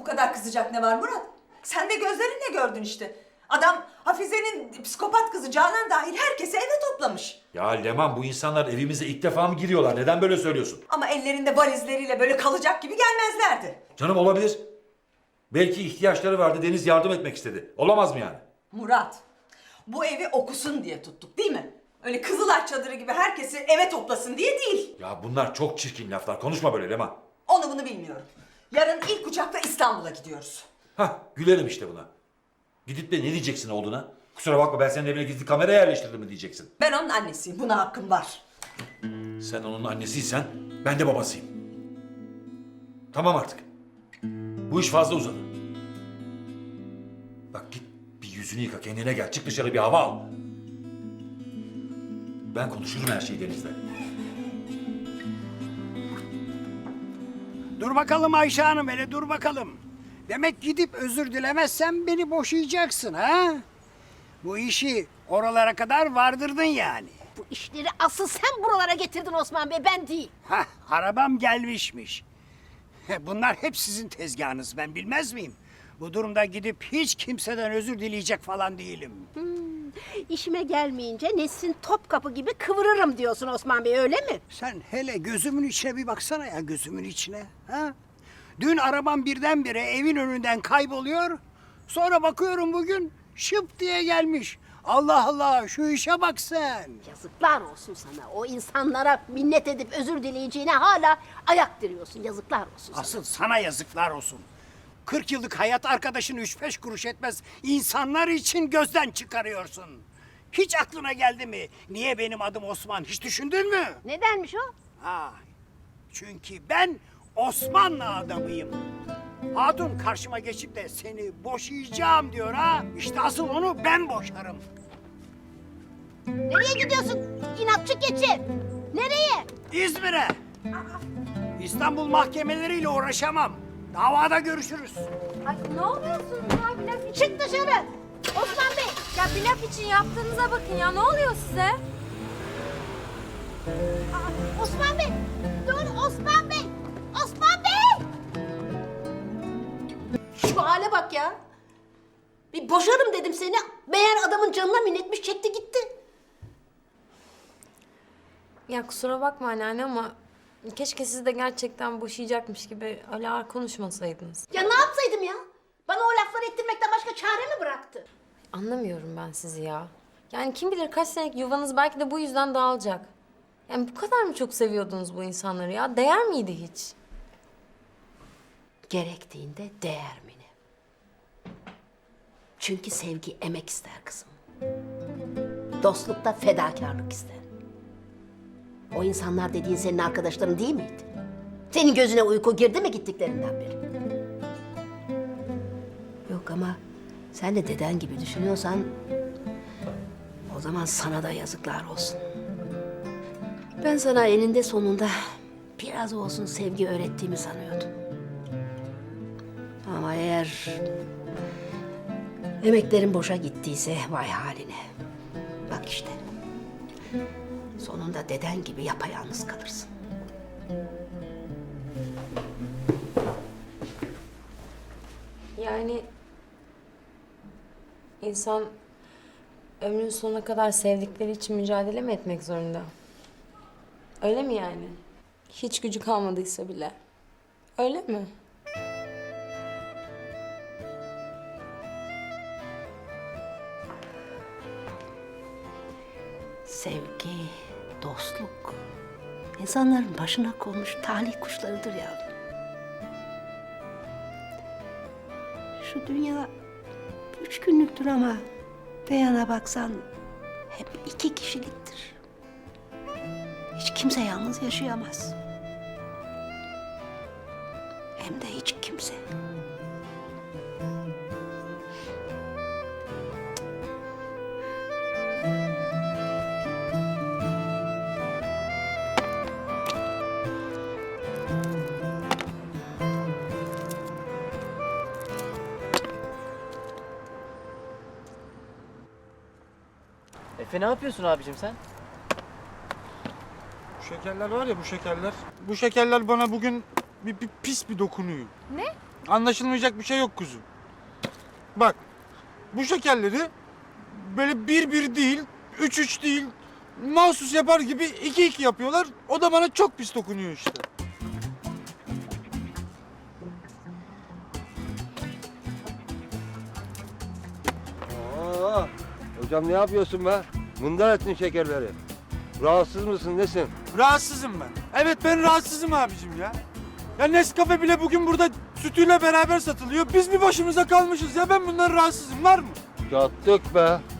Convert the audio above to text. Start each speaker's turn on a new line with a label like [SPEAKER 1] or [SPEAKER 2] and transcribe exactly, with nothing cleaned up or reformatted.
[SPEAKER 1] kadar kızacak ne var Murat? Sen de gözlerinle gördün işte. Adam Hafize'nin psikopat kızı Canan dahil herkesi eve toplamış.
[SPEAKER 2] Ya Leman, bu insanlar evimize ilk defa mı giriyorlar? Neden böyle söylüyorsun?
[SPEAKER 1] Ama ellerinde valizleriyle böyle kalacak gibi gelmezlerdi.
[SPEAKER 2] Canım, olabilir. Belki ihtiyaçları vardı, Deniz yardım etmek istedi. Olamaz mı yani?
[SPEAKER 1] Murat, bu evi okusun diye tuttuk değil mi? Öyle Kızılay çadırı gibi herkesi eve toplasın diye değil.
[SPEAKER 2] Ya bunlar çok çirkin laflar. Konuşma böyle Leman.
[SPEAKER 1] Onu bunu bilmiyorum. Yarın ilk uçakla İstanbul'a gidiyoruz.
[SPEAKER 2] Hah, gülerim işte buna. Gidip de ne diyeceksin oğluna? Kusura bakma, ben senin evine gizli kamera yerleştirdim mi diyeceksin.
[SPEAKER 1] Ben onun annesiyim, buna hakkım var.
[SPEAKER 2] Sen onun annesiysen ben de babasıyım. Tamam artık. Bu iş fazla uzadı. Bak git bir yüzünü yıka, kendine gel. Çık dışarı, bir hava al. Ben konuşurum her şeyi Deniz'le.
[SPEAKER 3] Dur bakalım Ayşe Hanım, hele dur bakalım. Demek gidip özür dilemezsen beni boşayacaksın ha? Bu işi oralara kadar vardırdın yani.
[SPEAKER 4] Bu işleri asıl sen buralara getirdin Osman Bey, ben değil.
[SPEAKER 3] Hah, arabam gelmişmiş. Bunlar hep sizin tezgahınız, ben bilmez miyim? Bu durumda gidip hiç kimseden özür dileyecek falan değilim.
[SPEAKER 4] Hmm, işime gelmeyince Nesrin Topkapı gibi kıvırırım diyorsun Osman Bey, öyle mi?
[SPEAKER 3] Sen hele gözümün içine bir baksana ya, gözümün içine. Ha? Dün arabam birdenbire evin önünden kayboluyor. Sonra bakıyorum bugün şıp diye gelmiş. Allah Allah, şu işe bak sen.
[SPEAKER 4] Yazıklar olsun sana. O insanlara minnet edip özür dileyeceğine hala ayak diriyorsun. Yazıklar olsun sana.
[SPEAKER 3] Asıl sana yazıklar olsun. Kırk yıllık hayat arkadaşını üç beş kuruş etmez insanlar için gözden çıkarıyorsun. Hiç aklına geldi mi? Niye benim adım Osman? Hiç düşündün mü?
[SPEAKER 4] Nedenmiş o?
[SPEAKER 3] Ha, çünkü ben Osmanlı adamıyım. Hatun karşıma geçip de seni boşayacağım diyor ha. İşte asıl onu ben boşarım.
[SPEAKER 4] Nereye gidiyorsun? İnatçı keçi. Nereye?
[SPEAKER 3] İzmir'e. İstanbul mahkemeleriyle uğraşamam. Davada görüşürüz.
[SPEAKER 5] Ay ne oluyorsunuz ya? Bir laf için.
[SPEAKER 4] Çık dışarı. Osman Bey.
[SPEAKER 5] Ya bir laf için yaptığınıza bakın ya. Ne oluyor size?
[SPEAKER 4] Aa, Osman Bey. Dur Osman Bey. Osman Bey. Şu hale bak ya. Bir boşarım dedim seni. Meğer adamın canına minnetmiş, çekti gitti.
[SPEAKER 5] Ya kusura bakma anneanne ama keşke siz de gerçekten boşayacakmış gibi öyle ağır konuşmasaydınız.
[SPEAKER 4] Ya ne yapsaydım ya? Bana o lafları ettirmekten başka çare mi bıraktı?
[SPEAKER 5] Anlamıyorum ben sizi ya. Yani kim bilir kaç senelik yuvanız belki de bu yüzden dağılacak. Yani bu kadar mı çok seviyordunuz bu insanları ya? Değer miydi hiç?
[SPEAKER 4] Gerektiğinde değer mi ne? Çünkü sevgi emek ister kızım. Dostlukta fedakarlık ister. O insanlar dediğin senin arkadaşların değil miydi? Senin gözüne uyku girdi mi gittiklerinden beri? Yok ama sen de deden gibi düşünüyorsan o zaman sana da yazıklar olsun. Ben sana eninde sonunda biraz olsun sevgi öğrettiğimi sanıyordum. Ama eğer emeklerin boşa gittiyse vay haline. Bak işte. Sonunda deden gibi yapayalnız kalırsın.
[SPEAKER 5] Yani insan ömrün sonuna kadar sevdikleri için mücadele mi etmek zorunda? Öyle mi yani? Hiç gücü kalmadıysa bile. Öyle mi?
[SPEAKER 4] Sevgi, dostluk, insanların başına konmuş talih kuşlarıdır yavrum. Şu dünya üç günlüktür ama bir yana baksan hep iki kişiliktir. Hiç kimse yalnız yaşayamaz. Hem de hiç kimse.
[SPEAKER 6] Efe ne yapıyorsun abicim sen?
[SPEAKER 7] Bu şekerler var ya, bu şekerler. Bu şekerler bana bugün bir, bir pis bir dokunuyor.
[SPEAKER 8] Ne?
[SPEAKER 7] Anlaşılmayacak bir şey yok kuzum. Bak, bu şekerleri böyle bir bir değil, üç üç değil, mahsus yapar gibi iki iki yapıyorlar. O da bana çok pis dokunuyor işte.
[SPEAKER 8] Aa, hocam ne yapıyorsun be? Mındar ettin şekerleri. Rahatsız mısın, nesin?
[SPEAKER 7] Rahatsızım ben. Evet ben rahatsızım abicim ya. Ya Nescafe bile bugün burada sütüyle beraber satılıyor. Biz bir başımıza kalmışız ya, ben bundan rahatsızım, var mı?
[SPEAKER 8] Yattık be.